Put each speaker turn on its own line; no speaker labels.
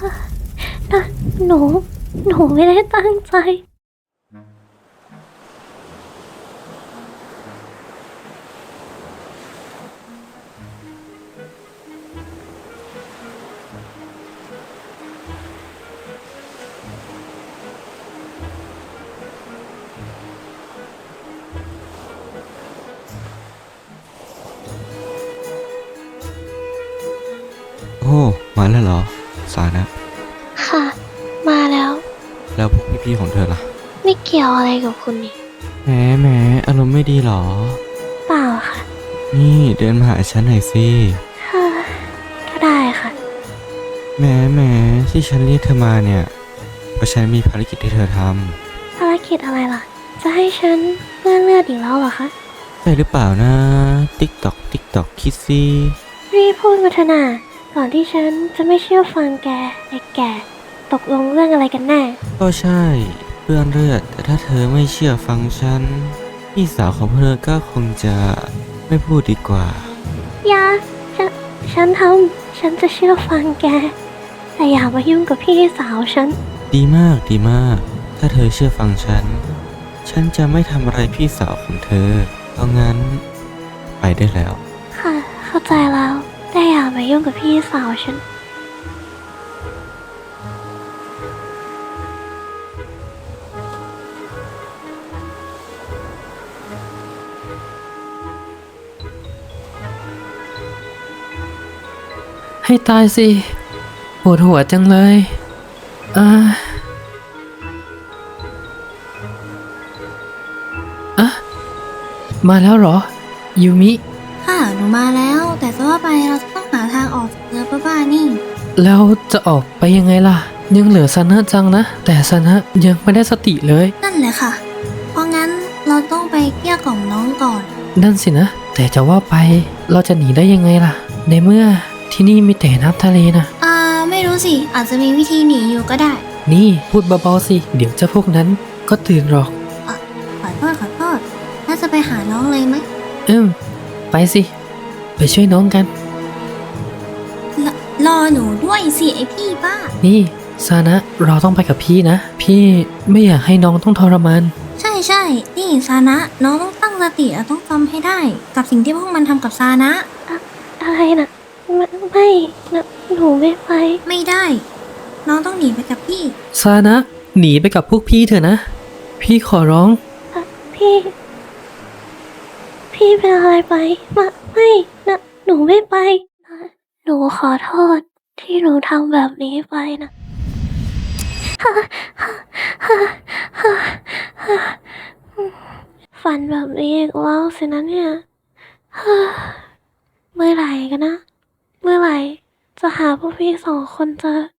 นะหนูไม่ได้ตั้งใจ
โอ้มาแล้วเหรอสานะ
ค่ะ มาแล้ว
แล้วพวกพี่ๆของเธอล่ะ
ไม่เกี่ยวอะไรกับคุณนี่
แหมอารมณ์ไม่ดีเหรอ
เปล่าค่ะ
นี่เดินมาหาฉันหน่อยสิ
ค่ะก็ได้ค่ะ
แหมที่ฉันเรียกเธอมาเนี่ยเพราะฉันมีภารกิจให้เธอท
ภารกิจอะไรล่ะ จะให้ฉันเปื้อนเลือดอีกแล้วเหรอคะ
ำใช่หรือเปล่านะติ๊กตอกคิดสิ
รีบพูดมาเถอะนาก่อนที่ฉันจะไม่เชื่อฟังแกไอ้แกตกลงเรื่องอะไรกันแน่
ก็ใช่เปื้อนเลือดแต่ถ้าเธอไม่เชื่อฟังฉันพี่สาวของเธอก็คงจะไม่พูดดีกว่า
อย่าฉันจะเชื่อฟังแก แต่อย่ามายุ่งกับพี่สาวฉัน
ดีมากถ้าเธอเชื่อฟังฉันจะไม่ทำอะไรพี่สาวของเธอเพราะงั้นไปได้แล้ว
ค่ะ เข้าใจแล้ว แต่อย่ามายุ่งกับพี่สาวฉัน
ให้ตายสิปวดหัวจังเลยอ่าอะมาแล้วเหรอ ยูมิ
ค่ะ หนูมาแล้ว แต่จะว่าไปเราจะต้องหาทางออกจากเรือบ้าๆนี่
แล้วจะออกไปยังไงล่ะ ยังเหลือซานะจังนะ แต่ซานะยังไม่ได้สติเลย
นั่นแหละค่ะ เพราะงั้นเราต้องไปเกลี้ยกล่อมน้องก่อน
นั่นสินะ แต่จะว่าไปเราจะหนีได้ยังไงล่ะ ในเมื่อที่นี่มีแต่น้ำทะเลนะ
ไม่รู้สิ อาจจะมีวิธีหนีอยู่ก็ได้
นี่พูดเบาๆสิ เดี๋ยวเจ้าพวกนั้นก็ตื่นหรอก
ขอโทษ น่าจะไปหาน้องเลยไหม
ไปสิ ไปช่วยน้องกัน
รอหนูด้วยสิไอพี่บ้า
นี่ซานะเราต้องไปกับพี่นะ พี่ไม่อยากให้น้องต้องทรมาน
ใช่ นี่ซานะ น้องต้องตั้งสติและต้องจำให้ได้ กับสิ่งที่พวกมันทำกับซานะ
อะไรนะไม่นะหนูไม่ไป
ไม่ได้ น้องต้องหนีไปกับพี่
ซานะหนีไปกับพวกพี่เถอะนะ พี่ขอร้อง
พี่ พี่เป็นอะไรไปไม่นะหนูไม่ไปนะหนูขอโทษที่หนูทำแบบนี้ไปนะ ฝันแบบนี้อีกแล้วสินะเนี่ย เมื่อไหร่กันนะ เมื่อไหร่จะหาพวกพี่สองคนเจอ